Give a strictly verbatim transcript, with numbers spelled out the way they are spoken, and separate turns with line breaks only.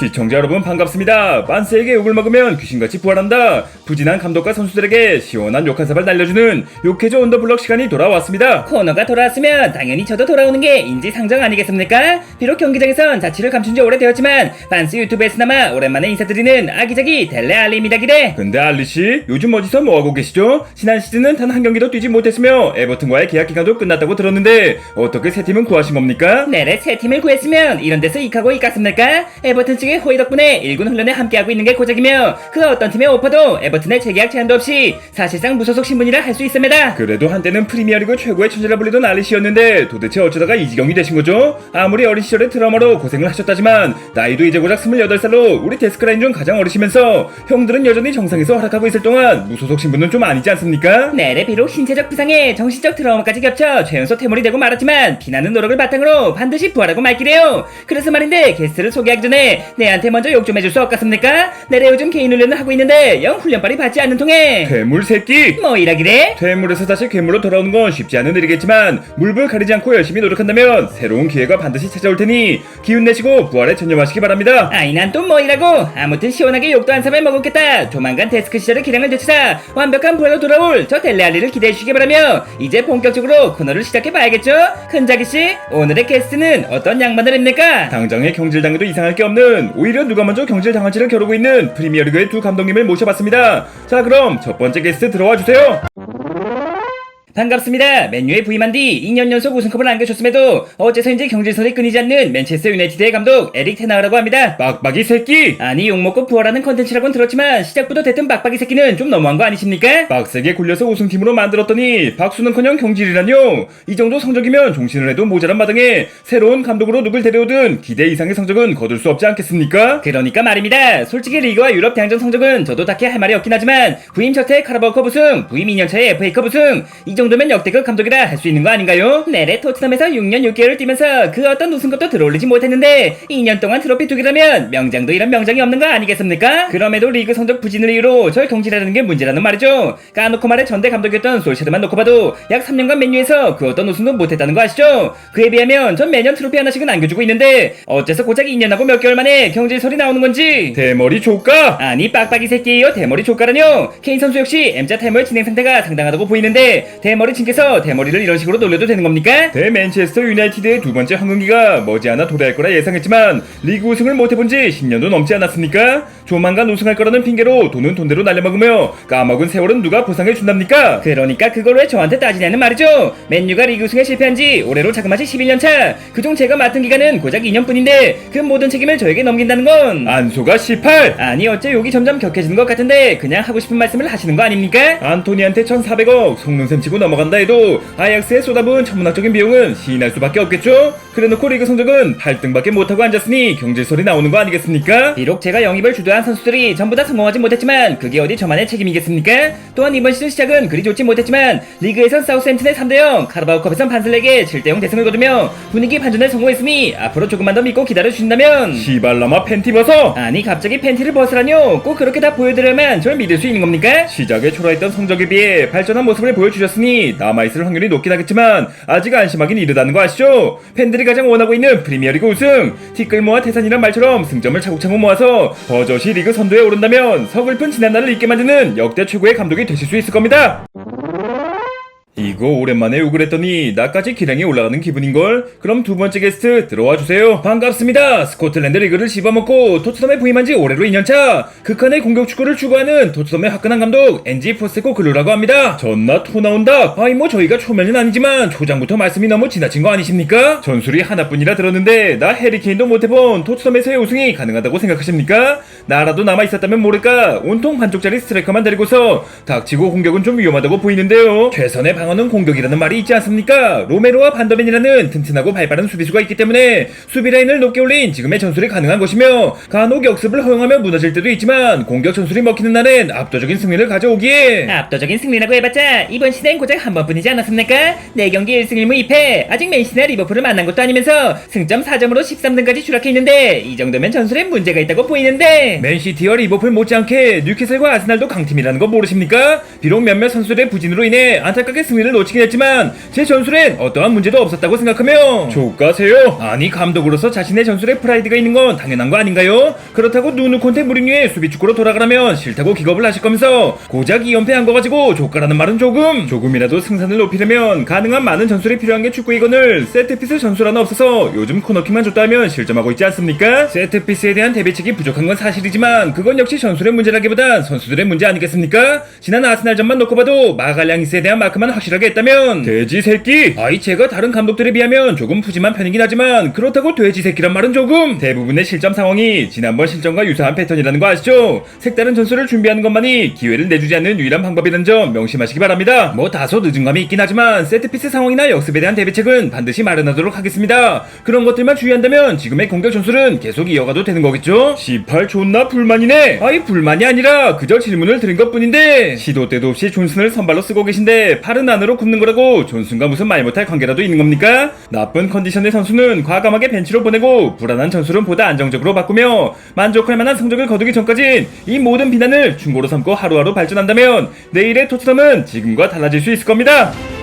시청자 여러분 반갑습니다. 반스에게 욕을 먹으면 귀신같이 부활한다. 부진한 감독과 선수들에게 시원한 욕 한 사발 날려주는 욕해줘 언더블럭 시간이 돌아왔습니다.
코너가 돌아왔으면 당연히 저도 돌아오는 게 인지상정 아니겠습니까? 비록 경기장에선 자취를 감춘 지 오래되었지만 반스 유튜브에서나마 오랜만에 인사드리는 아기자기 델레 알리입니다. 기대.
근데 알리씨 요즘 어디서 뭐하고 계시죠? 지난 시즌은 단 한 경기도 뛰지 못했으며 에버튼과의 계약 기간도 끝났다고 들었는데 어떻게 새 팀은 구하신 겁니까?
네래 새 팀을 구했으면 이런 데서 이카고 이깠습니까? 에버튼 측의 호의 덕분에 일군 훈련에 함께하고 있는 게 고작이며 그 어떤 팀의 오퍼도 에버튼의 재계약 제한도 없이 사실상 무소속 신분이라 할 수 있습니다.
그래도 한때는 프리미어리그 최고의 천재라 불리던 알리씨였는데 도대체 어쩌다가 이 지경이 되신 거죠? 아무리 어린 시절에 트라우마로 고생을 하셨다지만 나이도 이제 고작 스물여덟 살로 우리 데스크라인 중 가장 어리시면서 형들은 여전히 정상에서 활약하고 있을 동안 무소속 신분은 좀 아니지 않습니까?
네래 비록 신체적 부상에 정신적 트라우마까지 겹쳐 최연소 퇴물이 되고 말았지만 피나는 노력을 바탕으로 반드시 부활하고 말기래요. 그래서 말인데 게스트를 소개하기 전에 내한테 먼저 욕 좀 해줄 수 없겠습니까? 내래 요즘 개인 훈련을 하고 있는데 영 훈련빨이 받지 않는 통에
괴물 새끼!
뭐 이라기래?
퇴물에서 다시 괴물로 돌아오는 건 쉽지 않은 일이겠지만 물불 가리지 않고 열심히 노력한다면 새로운 기회가 반드시 찾아올 테니 기운 내시고 부활에 전념하시기 바랍니다.
아이 난 또 뭐 이라고. 아무튼 시원하게 욕도 한 사발 먹었겠다. 조만간 데스크 시절의 기량을 되찾아 완벽한 부활로 돌아올 저 델레알리를 기대해 주시기 바라며 이제 본격적으로 코너를 시작해봐야겠죠? 흔자기씨 오늘의 게스트는 어떤 양반을 입니까?
당장에 경질당해도 이상할 게 없는 오히려 누가 먼저 경질당할지를 겨루고 있는 프리미어리그의 두 감독님을 모셔봤습니다. 자 그럼 첫 번째 게스트 들어와 주세요.
반갑습니다. 맨유에 부임한 뒤 이 년 연속 우승컵을 안겨줬음에도 어째서인지 경질선이 끊이지 않는 맨체스터 유나이티드의 감독 에릭 테나흐라고 합니다.
빡빡이 새끼!
아니 욕먹고 부활하는 컨텐츠라고는 들었지만 시작부터 대뜸 빡빡이 새끼는 좀 너무한 거 아니십니까?
빡세게 굴려서 우승팀으로 만들었더니 박수는커녕 경질이라뇨. 이 정도 성적이면 종신을 해도 모자란 마당에 새로운 감독으로 누굴 데려오든 기대 이상의 성적은 거둘 수 없지 않겠습니까?
그러니까 말입니다. 솔직히 리그와 유럽 대항전 성적은 저도 딱히 할 말이 없긴 하지만 부임 첫 해 카라바오컵 우승, 부임 이 년 차에 에프에이컵 우승, 이 정도면 역대급 감독이라 할 수 있는 거 아닌가요? 네래 토트넘에서 육 년 육 개월을 뛰면서 그 어떤 우승컵도 들어올리지 못했는데 이 년 동안 트로피 두 개라면 명장도 이런 명장이 없는 거 아니겠습니까? 그럼에도 리그 성적 부진을 이유로 절 경질하는 게 문제라는 말이죠. 까놓고 말해 전대 감독이었던 솔샤르만 놓고 봐도 약 삼 년간 맨유에서 그 어떤 우승도 못했다는 거 아시죠? 그에 비하면 전 매년 트로피 하나씩은 안겨주고 있는데 어째서 고작 이 년하고 몇 개월 만에 경질설이 나오는 건지.
대머리 조까!
아니 빡빡이 새끼예요. 대머리 조카라뇨. 케인 선수 역시 M자 타이머의 진행 상태가 상당하다고 보이는데 대머리 친께서 대머리를 이런 식으로 놀려도 되는 겁니까?
대 맨체스터 유나이티드의 두 번째 황금기가 머지않아 도래할 거라 예상했지만 리그 우승을 못해본 지 십 년도 넘지 않았습니까? 조만간 우승할 거라는 핑계로 돈은 돈대로 날려먹으며 까먹은 세월은 누가 보상해 준답니까?
그러니까 그걸 왜 저한테 따지냐는 말이죠. 맨유가 리그 우승에 실패한 지 올해로 자그마치 십일 년 차. 그중 제가 맡은 기간은 고작 이 년뿐인데 그 모든 책임을 저에게 넘긴다는 건
안소가 십팔!
아니 어째 욕이 점점 격해지는 것 같은데 그냥 하고 싶은 말씀을 하시는 거 아닙니까?
안토니한테 천사백억 속눈샘 치고 넘어간다 해도 아약스에 쏟아부은 천문학적인 비용은 시인할 수밖에 없겠죠? 그래놓고 리그 성적은 팔 등밖에 못하고 앉았으니 경질설이 나오는 거 아니겠습니까?
비록 제가 영입을 주도한 선수들이 전부 다 성공하지 못했지만 그게 어디 저만의 책임이겠습니까? 또한 이번 시즌 시작은 그리 좋지 못했지만 리그에선 사우스햄튼의 삼 대 영, 카라바오컵에선 반슬에게 칠 대 영 대승을 거두며 분위기 반전에 성공했으니 앞으로 조금만 더 믿고 기다려주신다면
시발라마 팬티 벗어!
아니 갑자기 팬티를 벗으라뇨? 꼭 그렇게 다 보여드려야만 절 믿을 수 있는 겁니까?
시작에 초라했던 성적에 비해 발전한 모습을 보여주셨으니 남아있을 확률이 높긴 하겠지만 아직 안심하긴 이르다는 거 아시죠? 팬들이 가장 원하고 있는 프리미어리그 우승! 티끌모아 태산이란 말처럼 승점을 차곡차곡 모아서 버젓이 리그 선두에 오른다면 서글픈 지난날을 잊게 만드는 역대 최고의 감독이 되실 수 있을 겁니다! 이거 오랜만에 욕을 했더니 나까지 기량이 올라가는 기분인걸? 그럼 두 번째 게스트 들어와 주세요. 반갑습니다. 스코틀랜드 리그를 씹어먹고 토트넘에 부임한 지 올해로 이 년 차. 극한의 공격 축구를 추구하는 토트넘의 화끈한 감독 엔지 포스테코 글루라고 합니다. 전나 토 나온다. 아이 뭐 저희가 초면은 아니지만 초장부터 말씀이 너무 지나친 거 아니십니까? 전술이 하나뿐이라 들었는데 나 해리케인도 못해본 토트넘에서의 우승이 가능하다고 생각하십니까? 나라도 남아있었다면 모를까 온통 반쪽짜리 스트라이커만 데리고서 닥치고 공격은 좀 위험하다고 보이는데요. 최선의 방어는 공격이라는 말이 있지 않습니까? 로메로와 반더벤이라는 튼튼하고 발빠른 수비수가 있기 때문에 수비라인을 높게 올린 지금의 전술이 가능한 것이며 간혹 역습을 허용하며 무너질 때도 있지만 공격 전술이 먹히는 날엔 압도적인 승리를 가져오기에
압도적인 승리라고 해봤자 이번 시대엔 고작 한 번뿐이지 않았습니까? 네 경기 일 승 일 무 이 패. 아직 맨시티나 리버풀을 만난 것도 아니면서 승점 사 점으로 십삼 등까지 추락해 있는데 이 정도면 전술에 문제가 있다고 보이는데
맨시티와 리버풀 못지않게 뉴캐슬과 아스날도 강팀이라는 거 모르십니까? 비록 몇몇 선수들의 부진으로 인해 안타깝게 승리를 놓치긴 했지만 제 전술엔 어떠한 문제도 없었다고 생각하며 조가세요. 아니 감독으로서 자신의 전술에 프라이드가 있는 건 당연한 거 아닌가요? 그렇다고 누누콘테 무리뉴의 수비축구로 돌아가라면 싫다고 기겁을 하실 거면서 고작 이 연패한 거 가지고 조가라는 말은 조금 조금이라도 승산을 높이려면 가능한 많은 전술이 필요한 게 축구이건을 세트피스 전술 하나 없어서 요즘 코너킥만 줬다 하면 실점하고 있지 않습니까? 세트피스에 대한 대비책이 부족한 건 사실이지만 그건 역시 전술의 문제라기보단 선수들의 문제 아니겠습니까? 지난 아스날전만 놓고 봐도 마갈량이스에 대한 마크만 확실하게 했다면 돼지 새끼! 아이 제가 다른 감독들에 비하면 조금 푸짐한 편이긴 하지만 그렇다고 돼지 새끼란 말은 조금 대부분의 실점 상황이 지난번 실점과 유사한 패턴이라는 거 아시죠? 색다른 전술을 준비하는 것만이 기회를 내주지 않는 유일한 방법이라는 점 명심하시기 바랍니다. 뭐 다소 늦은 감이 있긴 하지만 세트피스 상황이나 역습에 대한 대비책은 반드시 마련하도록 하겠습니다. 그런 것들만 주의한다면 지금의 공격 전술은 계속 이어가도 되는 거겠죠? 십팔 존나 불만이네. 아이 불만이 아니라 그저 질문을 드린 것뿐인데 시도 때도 없이 존슨을 선발로 쓰고 계신데 팔은 안으로 굽는 거라고 존슨과 무슨 말 못할 관계라도 있는 겁니까? 나쁜 컨디션의 선수는 과감하게 벤치로 보내고 불안한 전술은 보다 안정적으로 바꾸며 만족할 만한 성적을 거두기 전까진 이 모든 비난을 충고로 삼고 하루하루 발전한다면 내일의 토트넘은 지금과 달라질 수 있을 겁니다.